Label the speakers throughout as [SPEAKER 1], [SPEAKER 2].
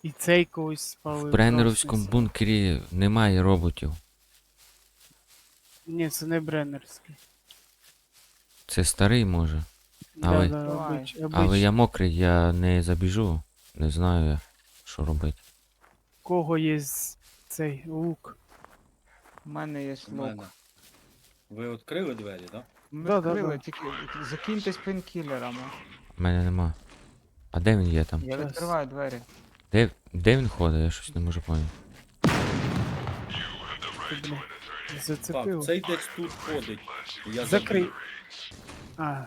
[SPEAKER 1] І цей когось спалив.
[SPEAKER 2] В бреннеровському бункері немає роботів.
[SPEAKER 1] Ні, це не бреннерський.
[SPEAKER 2] Це старий може.
[SPEAKER 1] Да,
[SPEAKER 3] Давай.
[SPEAKER 2] Але я мокрий, я не забіжу. Не знаю я, що робити.
[SPEAKER 1] Кого є цей лук?
[SPEAKER 3] У мене є
[SPEAKER 4] У мене.
[SPEAKER 3] лук.
[SPEAKER 4] Ви відкрили двері, так?
[SPEAKER 3] Ми
[SPEAKER 1] Да,
[SPEAKER 3] відкрили,
[SPEAKER 1] да.
[SPEAKER 3] тільки закиньтесь пейнкілерами.
[SPEAKER 2] У мене нема. А де він є там?
[SPEAKER 3] Я
[SPEAKER 1] Щас.
[SPEAKER 3] відкриваю двері.
[SPEAKER 2] Де він ходить? Я щось не можу поняти.
[SPEAKER 1] Ти, бля,
[SPEAKER 4] Так,
[SPEAKER 1] зацепив.
[SPEAKER 4] цей десь тут ходить. Я
[SPEAKER 1] Закрий.
[SPEAKER 4] забіг.
[SPEAKER 1] А,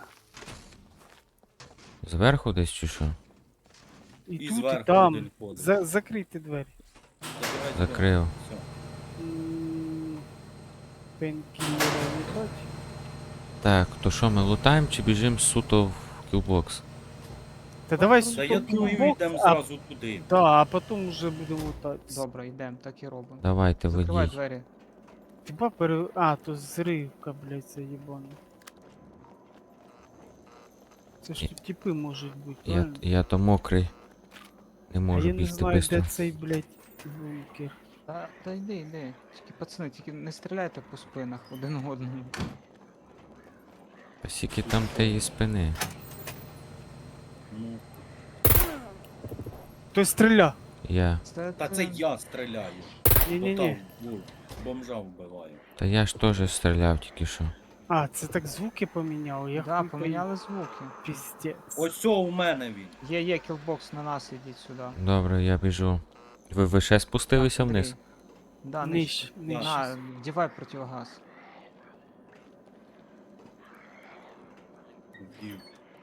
[SPEAKER 2] Зверху десь чи що?
[SPEAKER 1] і,
[SPEAKER 4] І
[SPEAKER 1] тут, і
[SPEAKER 4] зверху
[SPEAKER 1] там.
[SPEAKER 4] один ходить.
[SPEAKER 1] Закрийте двері.
[SPEAKER 4] Забирай
[SPEAKER 2] Закрив.
[SPEAKER 4] двері. Все.
[SPEAKER 1] Пенкілера не бачу.
[SPEAKER 2] Так, то що, ми лутаємо чи біжимо суто в кілбокс?
[SPEAKER 1] Та давай
[SPEAKER 4] Та
[SPEAKER 1] сюди
[SPEAKER 4] я
[SPEAKER 1] в
[SPEAKER 4] думаю,
[SPEAKER 1] кілбокс,
[SPEAKER 4] йдемо
[SPEAKER 1] а,
[SPEAKER 4] зразу туди.
[SPEAKER 1] да, а потім вже будемо лутатися.
[SPEAKER 3] Добре, йдемо, так і робимо.
[SPEAKER 2] Давайте,
[SPEAKER 3] Закривай
[SPEAKER 2] ведіть.
[SPEAKER 3] двері.
[SPEAKER 1] Хіба А, то зривка, блядь, це їбана. Це ж
[SPEAKER 2] Я-
[SPEAKER 1] тут типи можуть бути,
[SPEAKER 2] Я,
[SPEAKER 1] правильно?
[SPEAKER 2] я то мокрий. Не
[SPEAKER 1] А
[SPEAKER 2] можу
[SPEAKER 1] я не
[SPEAKER 2] бігти
[SPEAKER 1] знаю,
[SPEAKER 2] швидко.
[SPEAKER 1] де цей, блядь, бункер.
[SPEAKER 3] Та йди. Тільки, пацани, тільки не стріляйте по спинах один одному.
[SPEAKER 2] А скільки там тієї спини?
[SPEAKER 4] Ну,
[SPEAKER 1] Хтось стріля!
[SPEAKER 2] Я.
[SPEAKER 4] та це я стріляю.
[SPEAKER 1] Ні-ні-ні.
[SPEAKER 4] Отам, бомжа вбиваю.
[SPEAKER 2] Та я ж теж стріляв тільки що.
[SPEAKER 1] А, це так звуки поміняли, я
[SPEAKER 3] Да,
[SPEAKER 1] хуй
[SPEAKER 3] поміняли звуки.
[SPEAKER 1] пойму. Піздець.
[SPEAKER 4] Ось о, у мене він.
[SPEAKER 3] Є кілбокс на нас, ідіть сюди.
[SPEAKER 2] Добре, я біжу. Ви ще спустилися
[SPEAKER 3] Так,
[SPEAKER 2] вниз?
[SPEAKER 3] Андрій. Да,
[SPEAKER 1] Нижче,
[SPEAKER 4] Да.
[SPEAKER 1] нижче.
[SPEAKER 3] На, вдівай противогаз.
[SPEAKER 4] Вдів.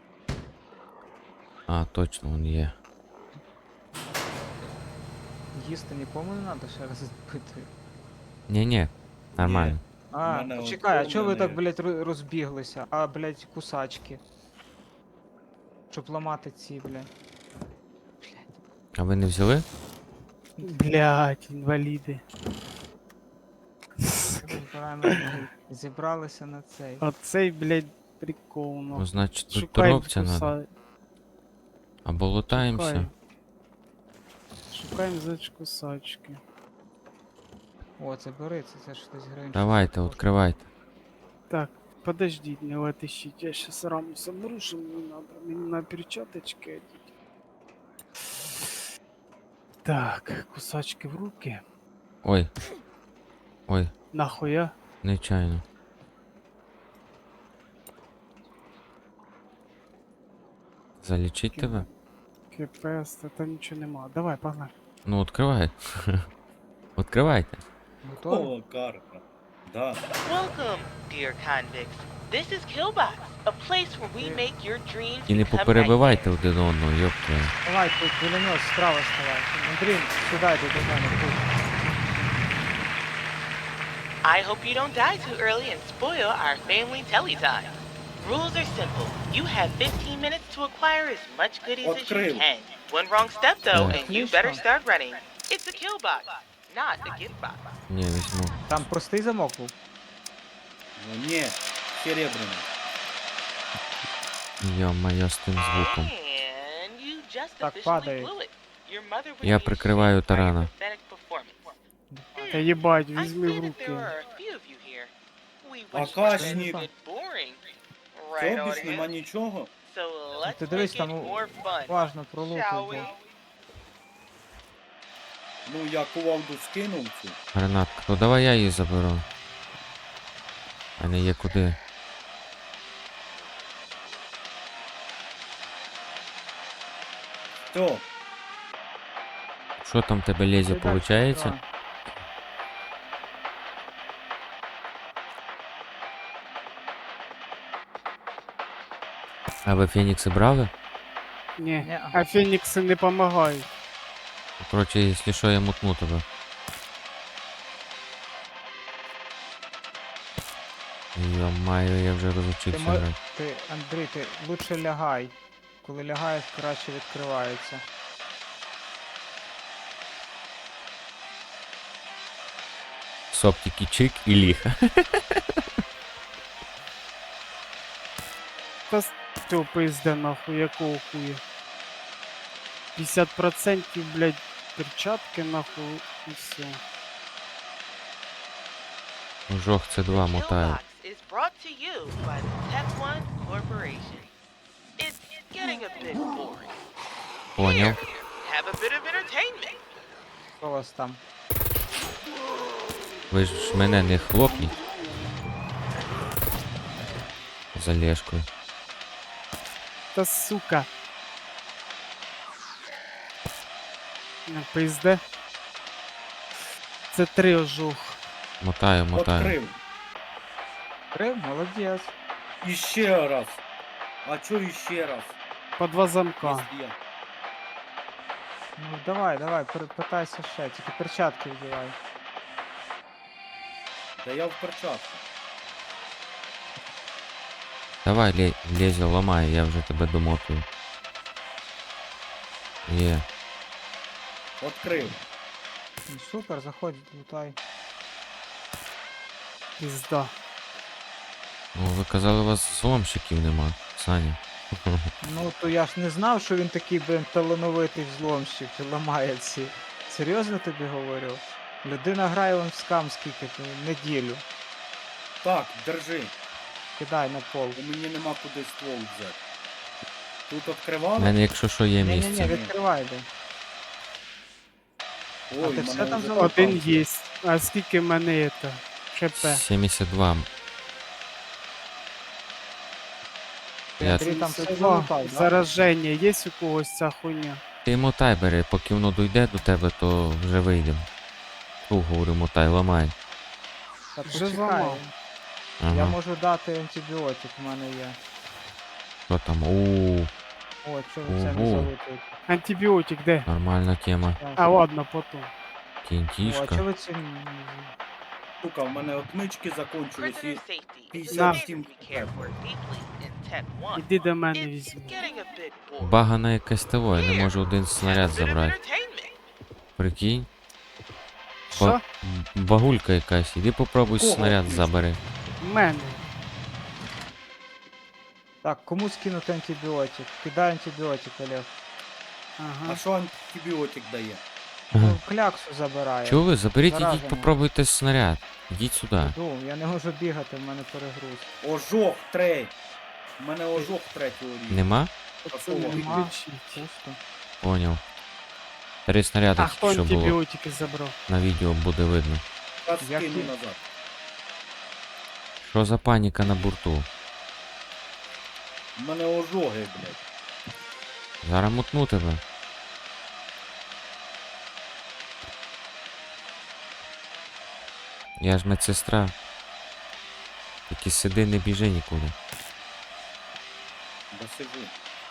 [SPEAKER 2] А, точно, він є.
[SPEAKER 3] Їсти нікому не треба, ще раз запитую.
[SPEAKER 2] Ні, нормально.
[SPEAKER 3] А,
[SPEAKER 4] мене
[SPEAKER 3] почекай, а
[SPEAKER 4] от
[SPEAKER 3] чого ви так,
[SPEAKER 4] повний.
[SPEAKER 3] блядь, розбіглися? А, блядь, кусачки. Щоб ламати ці, блядь.
[SPEAKER 2] А ви не взяли?
[SPEAKER 1] Блядь, інваліди.
[SPEAKER 3] Зібралися на цей.
[SPEAKER 1] Оцей, блядь, прикол,
[SPEAKER 2] Ну,
[SPEAKER 1] ну.
[SPEAKER 2] значить, тут
[SPEAKER 1] Шукаємо
[SPEAKER 2] торопця надо.
[SPEAKER 1] куса-
[SPEAKER 2] Або лутаємося.
[SPEAKER 1] Шукаємо. Шукаємо кусачки.
[SPEAKER 3] О, це бери, це ж хтось грає.
[SPEAKER 2] Давайте, відкривайте.
[SPEAKER 1] Так, подождіть, не вытащить. Я сейчас раму соберу, что мне надо. Мне на перчаточки одеть. Так, кусачки в руки.
[SPEAKER 2] Ой. Ой,
[SPEAKER 1] Нахуя?
[SPEAKER 2] нечайно. Залічить тебе?
[SPEAKER 1] КПС, та нічого нема. Давай, погнали.
[SPEAKER 2] Ну, відкривай. Відкривайте.
[SPEAKER 3] Готові?
[SPEAKER 4] О, карта. Да.
[SPEAKER 5] Welcome, dear convicts. This is Killbox, a place where we make your dreams
[SPEAKER 2] І не
[SPEAKER 5] become
[SPEAKER 2] поперебивайте один одного, йопта.
[SPEAKER 3] Давай, тут пулемет справа ставай. Андрій, сюди йди до мене, тут.
[SPEAKER 5] I hope you don't die too early and spoil our family telly time. Rules are simple. You have 15 minutes to acquire as much goodies as you
[SPEAKER 4] Открыл.
[SPEAKER 5] can. One wrong step though,
[SPEAKER 2] Yeah.
[SPEAKER 5] and you better start running. It's a kill box, not a gift box.
[SPEAKER 2] Ні, візьму.
[SPEAKER 3] Там простий замок був.
[SPEAKER 4] Ну, ні, серебряний.
[SPEAKER 2] Йо-моє, з тим звуком.
[SPEAKER 5] And you just
[SPEAKER 3] Так,
[SPEAKER 5] officially
[SPEAKER 3] падає.
[SPEAKER 5] blew it. Your mother would
[SPEAKER 2] Я
[SPEAKER 5] be
[SPEAKER 2] прикриваю
[SPEAKER 5] ashamed by your
[SPEAKER 2] тарана.
[SPEAKER 5] pathetic performance.
[SPEAKER 1] Та їбать,
[SPEAKER 5] I
[SPEAKER 1] візьми
[SPEAKER 5] see
[SPEAKER 1] в
[SPEAKER 5] that
[SPEAKER 1] руки.
[SPEAKER 5] there are a few of you here. We
[SPEAKER 4] А
[SPEAKER 5] wish
[SPEAKER 4] кашник?
[SPEAKER 5] was a bit boring. Right,
[SPEAKER 4] Цього більш нема
[SPEAKER 5] audience?
[SPEAKER 4] нічого.
[SPEAKER 5] So let's
[SPEAKER 3] Ти дивись,
[SPEAKER 5] make
[SPEAKER 3] там
[SPEAKER 5] it more fun,
[SPEAKER 3] уважно пролутуй,
[SPEAKER 5] shall
[SPEAKER 3] бо.
[SPEAKER 5] we?
[SPEAKER 4] Ну, я кувалду скинув цю.
[SPEAKER 2] Гранатка. Ну давай я її заберу. А не є куди.
[SPEAKER 4] Все,
[SPEAKER 2] Що там в тебе лезі,
[SPEAKER 3] Ти дальше
[SPEAKER 2] виходить?
[SPEAKER 3] справа.
[SPEAKER 2] А ви фенікси брали?
[SPEAKER 1] Ні,
[SPEAKER 3] Ні.
[SPEAKER 1] а фенікси не допомагають.
[SPEAKER 2] Коротше, якщо що, я мутну тебе. Йо-майо, я вже
[SPEAKER 3] Ти,
[SPEAKER 2] розучився
[SPEAKER 3] мо-
[SPEAKER 2] грати.
[SPEAKER 3] ти, Андрій, ти лучше лягай. Коли лягаєш, краще відкривається.
[SPEAKER 2] Соп тільки чик і ліг.
[SPEAKER 1] Та ти пизде нахуй, якого хуя. 50%, блядь, перчатки нахуй і все.
[SPEAKER 2] Жох, це
[SPEAKER 5] The
[SPEAKER 2] два мотаю.
[SPEAKER 5] Killbox is brought to you by the Tech One Corporation. It's getting a bit boring.
[SPEAKER 2] Поняв.
[SPEAKER 5] Have a bit of entertainment.
[SPEAKER 3] Що у вас там?
[SPEAKER 2] Ви ж мене не хлопніть. За Лешкою.
[SPEAKER 1] Та сука. Не пизде. Це 3 ожух.
[SPEAKER 2] Мотаю, мотаю.
[SPEAKER 4] Открив.
[SPEAKER 3] Крив? Молодець.
[SPEAKER 4] І ще раз. А чо іще раз?
[SPEAKER 1] По 2 замка.
[SPEAKER 4] Пізде.
[SPEAKER 3] Ну давай, питайся ще, тільки перчатки вдівай.
[SPEAKER 4] Та я в перчатку.
[SPEAKER 2] Давай, Лезя, ламай, я вже тебе домотую. Є.
[SPEAKER 4] Открив.
[SPEAKER 3] Ну супер, заходь, лутай.
[SPEAKER 1] Пізда.
[SPEAKER 2] Ну, ви казали, у вас зломщиків нема, Саня.
[SPEAKER 3] Ну то я ж не знав, що він такий, блин, талановитий взломщик, і ламає ці. Серйозно тобі говорю? Людина грає вон в скам скільки, то неділю.
[SPEAKER 4] Так, держи.
[SPEAKER 3] Кидай на пол.
[SPEAKER 4] У мені нема куди ствол взяти. Тут
[SPEAKER 2] У
[SPEAKER 4] відкривали?
[SPEAKER 2] мене, якщо що, є
[SPEAKER 3] Ні-ні-ні,
[SPEAKER 2] місце.
[SPEAKER 3] відкривай де.
[SPEAKER 4] Ой,
[SPEAKER 3] ти
[SPEAKER 4] мене
[SPEAKER 3] все там
[SPEAKER 4] вже
[SPEAKER 3] залутав?
[SPEAKER 1] Один є. А скільки в мене це? ХП?
[SPEAKER 2] 72. Я...
[SPEAKER 3] Андрій там все
[SPEAKER 1] 72.
[SPEAKER 3] залутав, да?
[SPEAKER 1] Зараження є у когось ця хуйня?
[SPEAKER 2] Ти мотай бери, поки воно дойде до тебе, то вже вийдемо. Фу, говорю, мотай, ламай.
[SPEAKER 3] Та
[SPEAKER 1] Вже
[SPEAKER 3] почекай.
[SPEAKER 1] зламав.
[SPEAKER 3] Я
[SPEAKER 2] Ага,
[SPEAKER 3] можу дати антибіотик, у мене є.
[SPEAKER 2] що там? Ууу,
[SPEAKER 3] О, чого ви це не
[SPEAKER 2] Ого.
[SPEAKER 3] залутуєте?
[SPEAKER 1] Антибіотик де?
[SPEAKER 2] нормальна тема.
[SPEAKER 1] А ладно, потім.
[SPEAKER 3] О, а
[SPEAKER 2] Кінтішка.
[SPEAKER 3] чого ви це...
[SPEAKER 4] Сука, в мене отмички закончились
[SPEAKER 5] Prisoner
[SPEAKER 4] і...
[SPEAKER 5] safety is
[SPEAKER 4] 57
[SPEAKER 5] something we care for deeply in Tech One.
[SPEAKER 1] Іди до мене
[SPEAKER 5] It's
[SPEAKER 1] візьми.
[SPEAKER 5] getting a bit boring.
[SPEAKER 2] Багана якась того, я не можу один
[SPEAKER 5] Have
[SPEAKER 2] снаряд
[SPEAKER 5] a bit of
[SPEAKER 2] забрати.
[SPEAKER 5] entertainment.
[SPEAKER 2] Прикинь,
[SPEAKER 1] Що?
[SPEAKER 2] багулька якась, іди попробуй
[SPEAKER 4] Кого?
[SPEAKER 2] снаряд забери.
[SPEAKER 1] В мене.
[SPEAKER 3] Так, кому скинути антибіотик? Кидай антибіотик, Олег.
[SPEAKER 1] Ага.
[SPEAKER 4] А що антибіотик дає?
[SPEAKER 3] Ну, кляксу забирає.
[SPEAKER 2] Чого ви? Заберіть,
[SPEAKER 3] Заражена.
[SPEAKER 2] ідіть попробуйте снаряд. Ідіть сюди.
[SPEAKER 3] Іду, я не можу бігати, в мене перегруз.
[SPEAKER 4] Ожог трей. У мене ожог третього рівня.
[SPEAKER 2] Нема?
[SPEAKER 1] Пацани,
[SPEAKER 4] Нема.
[SPEAKER 1] відключіть.
[SPEAKER 3] Пусто.
[SPEAKER 2] Поняв. 3 снаряди
[SPEAKER 1] А хто
[SPEAKER 2] тільки що було.
[SPEAKER 1] антибіотики забрав?
[SPEAKER 2] На відео буде видно.
[SPEAKER 4] Раз
[SPEAKER 3] Як
[SPEAKER 4] скину
[SPEAKER 3] і-
[SPEAKER 4] назад.
[SPEAKER 2] Що за паніка на борту?
[SPEAKER 4] У мене ожоги, блядь.
[SPEAKER 2] Зараз мутну тебе. Я ж медсестра. Тільки сиди, не біжи нікуди.
[SPEAKER 4] Да сижу.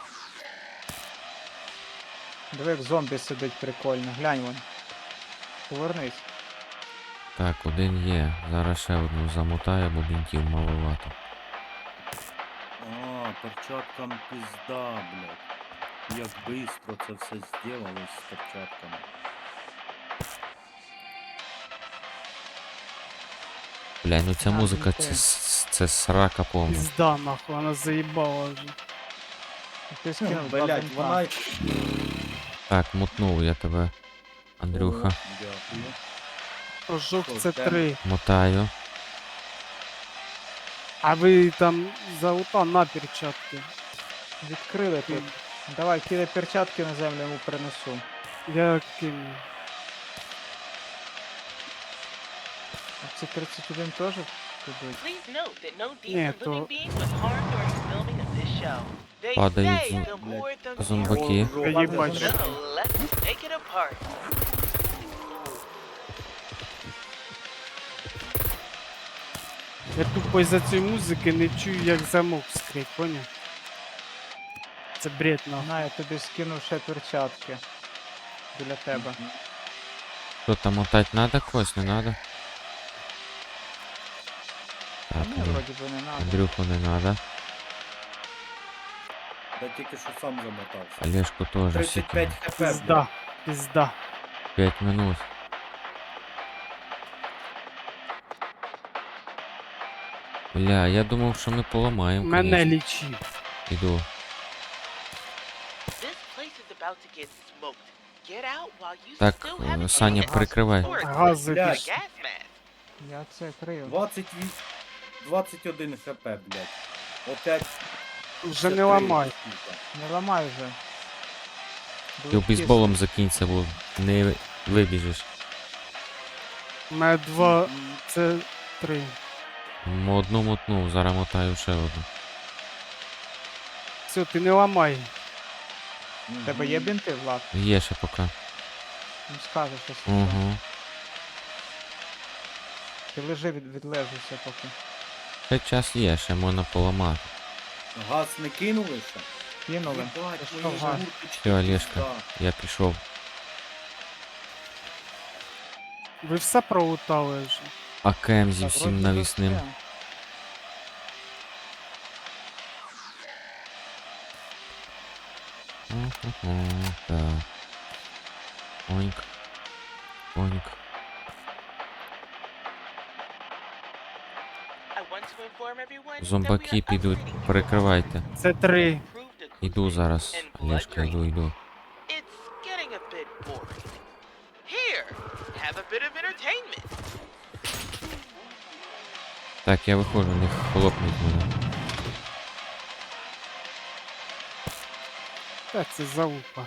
[SPEAKER 3] Диви, як зомбі сидить прикольно. Глянь вон. Повернись.
[SPEAKER 2] Так, один є. Зараз ще одну замотаю, бо бінтів маловато.
[SPEAKER 4] А, перчаткам пизда, блядь. Як быстро це все зробилось з перчатками.
[SPEAKER 2] Бля, ну ця
[SPEAKER 3] А,
[SPEAKER 2] музика,
[SPEAKER 3] ну,
[SPEAKER 2] це срака повна.
[SPEAKER 1] Пізда нахуй, вона заїбала вже.
[SPEAKER 3] Ти скинув два
[SPEAKER 4] Блядь,
[SPEAKER 3] бинта.
[SPEAKER 4] вона...
[SPEAKER 2] Так, мутнув я тебе. Андрюха.
[SPEAKER 4] О, дякую.
[SPEAKER 1] Ожог
[SPEAKER 4] Що,
[SPEAKER 1] це
[SPEAKER 4] де?
[SPEAKER 1] 3.
[SPEAKER 2] Мотаю.
[SPEAKER 1] А ви там залута на перчатки.
[SPEAKER 3] Відкрили тут. Давай, кидай перчатки на землю, йому принесу.
[SPEAKER 1] Я кину.
[SPEAKER 3] А ці 31 теж підуть?
[SPEAKER 5] Please note that no
[SPEAKER 1] Yeah,
[SPEAKER 5] decent living
[SPEAKER 1] то-
[SPEAKER 5] being was harmed during the filming of this show. They
[SPEAKER 2] Падають
[SPEAKER 5] say the more the
[SPEAKER 2] зомбаки.
[SPEAKER 4] Ожог.
[SPEAKER 1] Їбать.
[SPEAKER 5] So let's take it apart.
[SPEAKER 1] Я тупо із-за цієї музики не чую, як замок скрить, поняв? Це бред нахуй.
[SPEAKER 3] На, я тобі скинув ще перчатки. Біля тебе.
[SPEAKER 2] Що там мотать надо когось, не надо?
[SPEAKER 3] А
[SPEAKER 2] Так,
[SPEAKER 3] мені
[SPEAKER 2] Андрю-
[SPEAKER 3] вроді би не надо.
[SPEAKER 2] Андрюху не надо.
[SPEAKER 4] Да тільки що сам замотався.
[SPEAKER 2] Олежку теж
[SPEAKER 4] 35
[SPEAKER 2] сіки.
[SPEAKER 4] хп, блядь.
[SPEAKER 1] Пізда. Пізда.
[SPEAKER 2] 5 минут. Бля, я думав, що ми поламаємо.
[SPEAKER 1] Мене
[SPEAKER 2] конечно.
[SPEAKER 1] лічи.
[SPEAKER 2] Іду.
[SPEAKER 5] This place is about to get smoked. get out while you
[SPEAKER 2] Так,
[SPEAKER 5] still have a
[SPEAKER 2] Саня,
[SPEAKER 5] chance.
[SPEAKER 2] прикривай.
[SPEAKER 5] Or
[SPEAKER 1] Гази
[SPEAKER 5] use a
[SPEAKER 4] пішли.
[SPEAKER 5] gas mask.
[SPEAKER 3] Я це крию.
[SPEAKER 4] 21 хп, блядь. Опять.
[SPEAKER 1] Вже не
[SPEAKER 4] 53,
[SPEAKER 1] ламай.
[SPEAKER 4] сука.
[SPEAKER 3] Не ламай вже.
[SPEAKER 2] Ти бейсболом закінься, бо не вибіжиш.
[SPEAKER 1] У мене 2,
[SPEAKER 4] М,
[SPEAKER 1] це 3.
[SPEAKER 2] Одну мотнув, зараз мотаю ще одну.
[SPEAKER 1] Все, ти не ламай.
[SPEAKER 3] У тебе є бінти, Влад?
[SPEAKER 2] Є ще поки.
[SPEAKER 3] Ну скажеш, що це.
[SPEAKER 2] Угу.
[SPEAKER 3] Ти лежи, відлежуйся поки.
[SPEAKER 2] Ще час є, ще можна поламати.
[SPEAKER 4] Газ не кинули ще?
[SPEAKER 3] Кинули.
[SPEAKER 4] Єбать,
[SPEAKER 3] Ти
[SPEAKER 4] мої
[SPEAKER 3] що, газ?
[SPEAKER 4] жмурки
[SPEAKER 2] Все, Олешка,
[SPEAKER 4] пизда.
[SPEAKER 2] я пішов.
[SPEAKER 1] Ви все пролутали вже.
[SPEAKER 2] АКМ зі
[SPEAKER 3] Так,
[SPEAKER 2] всім
[SPEAKER 3] вроді
[SPEAKER 2] навісним.
[SPEAKER 3] все.
[SPEAKER 2] Так. Оньк. Оньк.
[SPEAKER 5] I want to inform everyone that we
[SPEAKER 2] Зомбаки
[SPEAKER 5] are
[SPEAKER 2] підуть,
[SPEAKER 5] upgrading
[SPEAKER 2] перекривайте.
[SPEAKER 1] Це 3.
[SPEAKER 5] improved equipment
[SPEAKER 2] Іду зараз,
[SPEAKER 5] and blood
[SPEAKER 2] Олешка,
[SPEAKER 5] drain.
[SPEAKER 2] йду.
[SPEAKER 5] It's getting a bit boring. Here, have a bit of entertainment.
[SPEAKER 2] Так, я виходжу, не хлопнуть мене.
[SPEAKER 1] Та це залупа.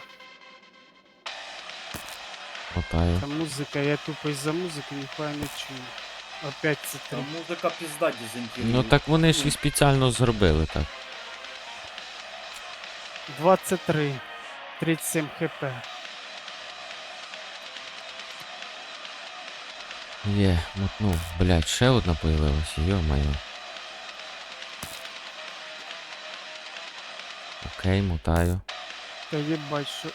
[SPEAKER 2] Мотаю.
[SPEAKER 1] Та музика, я тупо із-за музики ніхуя не чую. Опять це 3.
[SPEAKER 4] Там музика пізда дезінтегрує.
[SPEAKER 2] Ну так вони ж і спеціально зробили так.
[SPEAKER 1] 23. 37 хп.
[SPEAKER 2] Є, мотнув. Блять, ще одна появилася, йо-моє. Окей, мотаю.
[SPEAKER 1] Та їбать, що...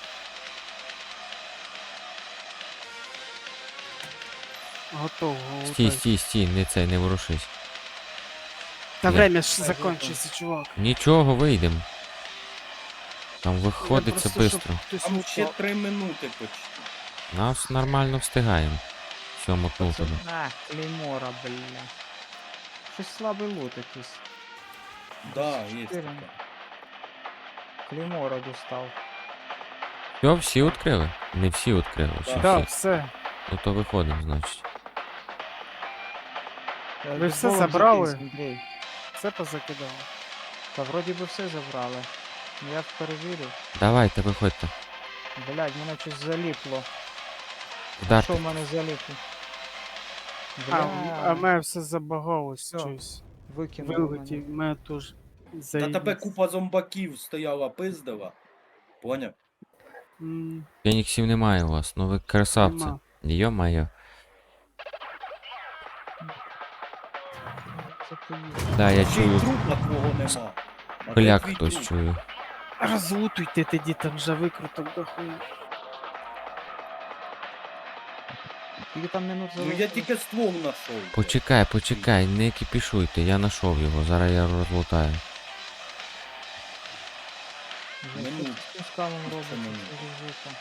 [SPEAKER 1] Готово.
[SPEAKER 2] Стій, стій, стій, не цей, не ворушись.
[SPEAKER 1] Та
[SPEAKER 2] Я-
[SPEAKER 1] время ж закончиться, чувак.
[SPEAKER 2] Нічого, вийдем. Там
[SPEAKER 1] Я
[SPEAKER 2] виходиться
[SPEAKER 1] просто, щоб
[SPEAKER 2] швидко.
[SPEAKER 1] хтось
[SPEAKER 4] Там ще
[SPEAKER 1] упав.
[SPEAKER 4] 3 минути почти.
[SPEAKER 2] Нас нормально встигаємо. Все, мотнув
[SPEAKER 3] Це,
[SPEAKER 2] тебе.
[SPEAKER 3] клеймора, бля. Щось слабий лут якийсь.
[SPEAKER 4] Да, є
[SPEAKER 3] Чотири.
[SPEAKER 4] таке.
[SPEAKER 3] Клеймора достав.
[SPEAKER 2] Все, всі відкрили? Не всі відкрили, чи
[SPEAKER 1] Да,
[SPEAKER 2] всі?
[SPEAKER 1] все.
[SPEAKER 2] Ну то виходимо, значить.
[SPEAKER 1] Ви все
[SPEAKER 3] Бейсболом
[SPEAKER 1] забрали?
[SPEAKER 3] закинься, Андрій.
[SPEAKER 1] Все позакидало.
[SPEAKER 3] Та вроді би все забрали. Ну я перевірив.
[SPEAKER 2] Давайте, виходьте.
[SPEAKER 3] Блядь, мене щось заліпло. Що
[SPEAKER 2] Вдарте.
[SPEAKER 3] в мене заліпло?
[SPEAKER 1] А
[SPEAKER 3] Бля,
[SPEAKER 1] мене все забагалось
[SPEAKER 3] Всё.
[SPEAKER 1] щось.
[SPEAKER 3] викинуло
[SPEAKER 1] Вилетів,
[SPEAKER 3] мене.
[SPEAKER 1] мене теж
[SPEAKER 4] Та тебе
[SPEAKER 1] заїбіться.
[SPEAKER 4] купа зомбаків стояла, пиздила. Поняв?
[SPEAKER 2] Феніксів немає у вас, ну ви красавці.
[SPEAKER 1] Нема.
[SPEAKER 2] Йо-моє.
[SPEAKER 3] Це поїхало.
[SPEAKER 2] Да, я
[SPEAKER 4] Ще й
[SPEAKER 2] чую.
[SPEAKER 4] трупа твого нема. А де
[SPEAKER 2] Пиляк
[SPEAKER 4] твій
[SPEAKER 2] хтось
[SPEAKER 4] труп?
[SPEAKER 2] чую.
[SPEAKER 1] Розлутуйте тоді, там вже викруток дохуя.
[SPEAKER 3] Скільки там минут
[SPEAKER 4] Ну я
[SPEAKER 3] залишилось?
[SPEAKER 4] тільки ствол знайшов.
[SPEAKER 2] Почекай, почекай, не кипішуйте, я знайшов його, зараз я розлутаю.
[SPEAKER 3] Вже
[SPEAKER 4] Минут.
[SPEAKER 3] щось з цим скамом робиться,
[SPEAKER 4] минут.
[SPEAKER 3] це життя.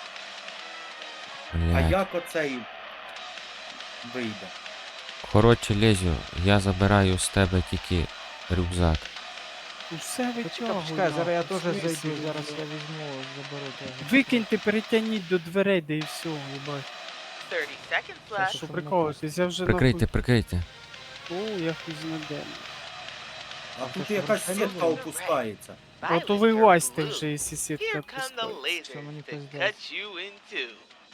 [SPEAKER 4] А
[SPEAKER 2] Блядь.
[SPEAKER 4] як оцей вийде?
[SPEAKER 2] Коротше, Лезю, я забираю з тебе тільки рюкзак.
[SPEAKER 1] Ну все витягуй.
[SPEAKER 3] Почекай, зараз я
[SPEAKER 1] нахуй,
[SPEAKER 3] теж
[SPEAKER 1] в смислі?
[SPEAKER 3] зайду, зараз я візьму, заберу теж.
[SPEAKER 1] Викиньте, перетягніть до дверей, да і все, їбать.
[SPEAKER 5] 30 seconds
[SPEAKER 3] Що,
[SPEAKER 5] left.
[SPEAKER 1] Що
[SPEAKER 3] щоб
[SPEAKER 1] приколитесь, я вже
[SPEAKER 2] Прикрийте, прикрийте.
[SPEAKER 1] нахуй... О, я хуй знаде.
[SPEAKER 4] А
[SPEAKER 3] А
[SPEAKER 4] тут
[SPEAKER 3] то
[SPEAKER 4] якась
[SPEAKER 3] що,
[SPEAKER 4] сітка
[SPEAKER 3] взагалі?
[SPEAKER 4] опускається.
[SPEAKER 1] От
[SPEAKER 5] Violet,
[SPEAKER 1] вилазьте
[SPEAKER 5] you're
[SPEAKER 1] вже,
[SPEAKER 5] blue.
[SPEAKER 1] якщо сітка
[SPEAKER 5] Here come the
[SPEAKER 1] пускається.
[SPEAKER 3] Що мені
[SPEAKER 5] lasers to
[SPEAKER 3] пиздець?
[SPEAKER 5] cut you in two.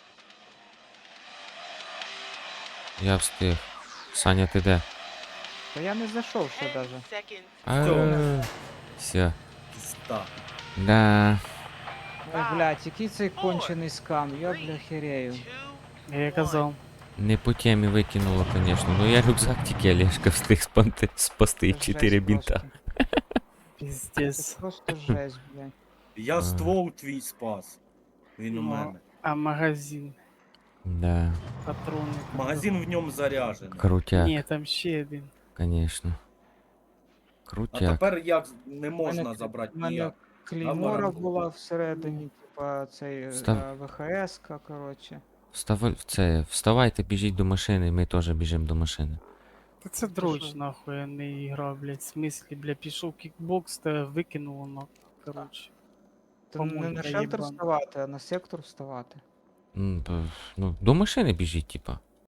[SPEAKER 2] Я встиг. Саня, ти де?
[SPEAKER 3] Та я не зайшов ще
[SPEAKER 5] 10
[SPEAKER 3] даже.
[SPEAKER 5] seconds.
[SPEAKER 2] Все.
[SPEAKER 4] Пізда.
[SPEAKER 2] Да.
[SPEAKER 3] Ой, блядь, який цей кончений скам, я бля херею.
[SPEAKER 1] Я казав.
[SPEAKER 2] Не по темі викинуло, звісно. Ну я рюкзак тільки Олешка встиг спасти
[SPEAKER 3] Це
[SPEAKER 2] 4
[SPEAKER 3] жесть
[SPEAKER 2] бінта.
[SPEAKER 3] просто.
[SPEAKER 1] Піздец.
[SPEAKER 3] Це просто жесть, блядь.
[SPEAKER 4] Я
[SPEAKER 2] Ага.
[SPEAKER 4] ствол твій спас. Він у
[SPEAKER 1] Ну,
[SPEAKER 4] мене.
[SPEAKER 1] А магазин,
[SPEAKER 2] Да.
[SPEAKER 1] патрони.
[SPEAKER 4] Магазин в ньому заряджений.
[SPEAKER 2] Крутяк,
[SPEAKER 1] Ні, там ще один.
[SPEAKER 2] звісно.
[SPEAKER 4] А
[SPEAKER 2] Крутяк.
[SPEAKER 4] тепер як не можна
[SPEAKER 3] мене-
[SPEAKER 4] забрати
[SPEAKER 3] в мене
[SPEAKER 4] ніяк.
[SPEAKER 3] Клеймора
[SPEAKER 4] Набагато.
[SPEAKER 3] була всередині, типа цей
[SPEAKER 2] Став.
[SPEAKER 3] ВХС-ка, коротше.
[SPEAKER 2] Вставайте, біжіть до машини, ми теж біжимо до машини.
[SPEAKER 1] Та це дрочь,
[SPEAKER 3] що?
[SPEAKER 1] нахуй, а не ігра, блядь. В смислі, бля, пішов кікбокс та викинуло, нахуй. Короче.
[SPEAKER 3] То не
[SPEAKER 1] Помойка
[SPEAKER 3] на шелтер
[SPEAKER 1] єбана.
[SPEAKER 3] вставати, а на сектор вставати.
[SPEAKER 2] Ну, до машини біжіть, типа.